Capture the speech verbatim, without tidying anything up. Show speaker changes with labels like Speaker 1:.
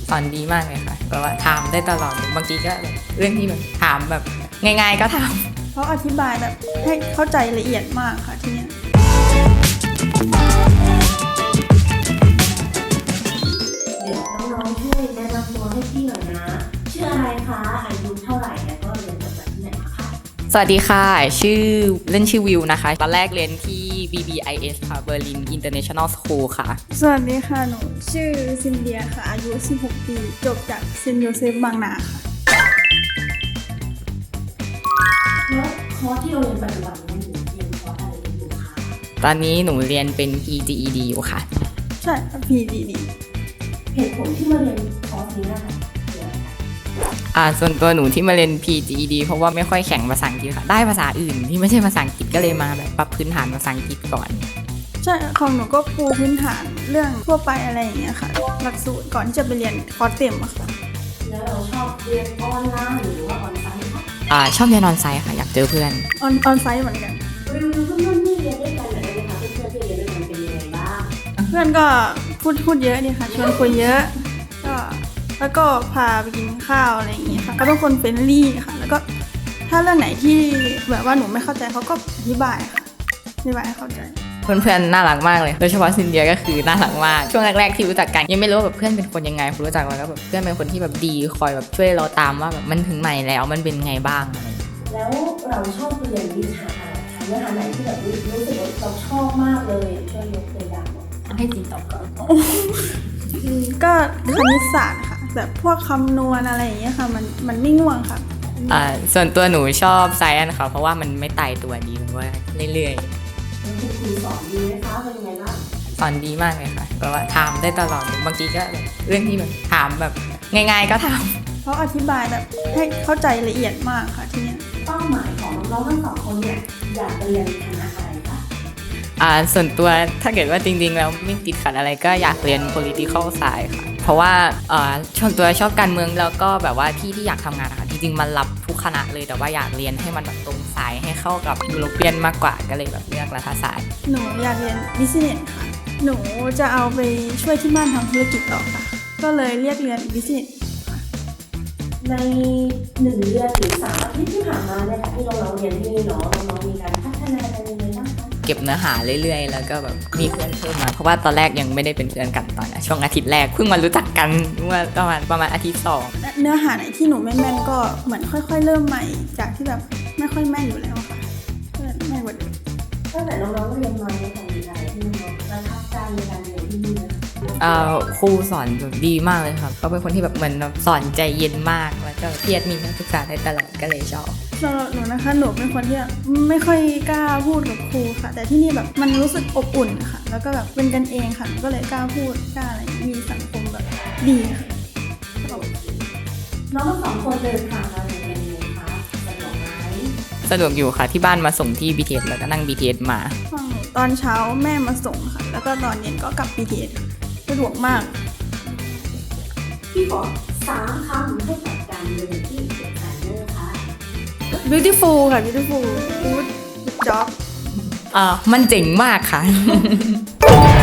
Speaker 1: สอนดีมากเลยค่ะแบบว่าถามได้ตลอดบางทีก็เรื่องที่แบบถามแบบง่ายๆก็ถาม
Speaker 2: เขาอธิบายแบบให้เข้าใจละเอียดมากค่ะที่เนี้ย
Speaker 3: เดี๋ยวน้องๆช่วยแนะนำตัวให้พี่หน่อยนะชื่ออะไรคะอายุเท่าไหร่แล้วก็เรียนจบจากที่ไหนคะ
Speaker 1: สวัสดีค่ะชื่อเล่นชื่อวิวนะคะตอนแรกเรียนที่ บี บี ไอ เอส ค่ะ Berlin International School ค่ะ
Speaker 2: สวัสดีค่ะหนูชื่อซินเดียค่ะอายุสิบหกปีจบจากเซนต์โยเซฟบางนาค่ะ
Speaker 3: แล้วคอร์สที่เราเรียนปัจจุบันนี้หนูเรียนคอร์สอะไรอยู่คะ
Speaker 1: ตอนนี้หนูเรียนเป็น พี จี อี ดี อยู่ค่ะ
Speaker 2: ใช่ค่ะ พี จี ดี
Speaker 3: เหตุผลที่มาเรียนคอร์สนี้นะคะคืออะไรคะ
Speaker 1: อ่าส่วนตัวหนูที่มาเรียน พี จี อี ดี เพราะว่าไม่ค่อยแข็งภาษาอังกฤษค่ะได้ภาษาอื่นที่ไม่ใช่ภาษาอังกฤษก็เลยมาแบบปรับพื้นฐานภาษาอังกฤษก่อน
Speaker 2: ใช่ของหนูก็ปูพื้นฐานเรื่องทั่วไปอะไรอย่างเงี้ยค่ะหลักสูตรก่อนที่จะไปเรียนคอร์สเต็มอะค่ะ
Speaker 3: แล้วเราชอบเรียนออนไลน์หรือว่าออนไลน์คะ
Speaker 1: อ่าชอบเรียนออนไซต์ค่ะอยากเจอเพื่อน
Speaker 2: ออนออนไซต์เหมือนกัน
Speaker 3: รีวิวเพื่อนๆที่เรียนด้วยกันหน่อยได้ไหมคะเพื่อนๆที่เรียนด้วยกันเป็นยังไงบ้าง
Speaker 2: เพื่อนก็พูดพูดเยอะดีค่ะชวนคุยเยอะก็แล้วก็พาไปกินข้าวอะไรอย่างเงี้ยค่ะก็เป็นคนเฟรนลี่ค่ะแล้วก็ถ้าเรื่องไหนที่แบบว่าหนูไม่เข้าใจเขาก็อธิบายค่ะอธิบายให้เข้าใจ
Speaker 1: เพื่อนๆน่ารักมากเลยโดยเฉพาะซินเดียก็คือน่ารักมากช่วงแรกๆที่รู้จักกันยังไม่รู้ว่าแบบเพื่อนเป็นคนยังไงพอรู้จักแล้วก็แบบเพื่อนเป็นคนที่แบบดีคอยแบบช่วยเราตามว่าแบบมันถึงไหนแล้วมันเป็นไงบ้างอะไร
Speaker 3: แล้วเราชอบเรียนวิชาอะไรคะเนื้อหาไหนที่แบบรู้สึกว่าเราชอบมากเลยช่วยยกตัวอย่างให้จีตอบก่อน
Speaker 2: ก็คณิตศาสตร์ค่ะแบบพวกคำนวณอะไรอย่างเงี้ยค่ะมันมันไม่ง่วงค่ะ
Speaker 1: อ่าส่วนตัวหนูชอบไซแอนค่ะเพราะว่ามันไม่ตายตัวดีมันว่าเรื่อย
Speaker 3: ๆคุณครูสอนดีไหมคะเป็นยังไงบ้าง
Speaker 1: สอนดีมากเลยค่ะแบบว่าถามได้ตลอดบางทีก็เรื่องที่แบบถามแบบง่ายๆก็ถาม
Speaker 2: เขาอธิบายแบบให้เข้าใจละเอียดมากค่ะที่เนี้ย
Speaker 3: เป้าหมายของน้องๆทั้งสองคนเนี่ยอยากเรียนคณะอะไรคะ
Speaker 1: อ่าส่วนตัวถ้าเกิดว่าจริงๆแล้วไม่ติดขัดอะไรก็อยากเรียน political science ค่ะเพราะว่าอ่าชอบตัวชอบการเมืองแล้วก็แบบว่าที่ที่อยากทำงานนะคะจริงๆมันรับทุกคณะเลยแต่ว่าอยากเรียนให้มันแบบตรงสายให้เข้ากับยุโรเปียนมากกว่าก็เลยแบบเลือกรัฐศาสตร์
Speaker 2: หนูอยากเรียน business ค่ะหนูจะเอาไปช่วยที่บ้านทำธุรกิจต่อค่ะก็เลยเรียกเรียน business
Speaker 3: ในหนึ่งเดือนหรือสามอาทิตย์ที่ผ่านมาเนี่ยค่ะที่น้องๆเรียนที่นี่เนาะน้องๆมีการพัฒนากันยังไงบ้างคะ
Speaker 1: เก็บเนื้อหาเรื่อยๆแล้วก็แบบมีเพื่อนเพิ่มมาเพราะว่าตอนแรกยังไม่ได้เป็นเพื่อนกันตอนนะช่วงอาทิตย์แรกเพิ่งมารู้จักกันเมื่อประมาณประมาณอาทิตย์สอง
Speaker 2: เนื้อหาไหนที่หนูไม่แม่นก็เหมือนค่อยๆเริ่มใหม่จากที่แบบไม่ค่อยแม่นอยู่แล้วค่ะก็แม่นกว่าเดิม
Speaker 3: ตั้งแต่น้องๆเรียนมาเนี่ยค่ะมีอะไรที่น้องๆประทับใจในการเรียนที่นี่นะ
Speaker 1: อ่าครูสอนแบบดีมากเลยครับเขาเป็นคนที่แบบเหมือนสอนใจเย็นมากแล้วก็เครียดมีนักศึกษาได้ตลอดก็เลยชอบ
Speaker 2: สำหรับหนูนะคะหนูเป็นคนที่ไม่ค่อยกล้าพูดกับครูค่ะแต่ที่นี่แบบมันรู้สึกอบอุ่นค่ะแล้วก็แบบเป็นกันเองค่ะก็เลยกล้าพูดกล้าอะไรมีสังคมแบบดีค่ะ
Speaker 3: น้องทั้งสองคนเดินทางมาเรียนยังไงคะสะดวกไหม
Speaker 1: สะดวกอยู่ค่ะที่บ้านมาส่งที่ บี ที เอส แล้วก็นั่ง บี ที เอส มา
Speaker 2: ตอนเช้าแม่มาส่งค่ะแล้วก็ตอนเย็นก็กลับ บี ที เอส สะดวกมาก
Speaker 3: พี่ขอสามคำให้กับการเรียนที่เด็กไทยเลยค่ะ
Speaker 2: beautiful ค่ะ beautiful good job
Speaker 1: อ่ามันเจ๋งมากค่ะ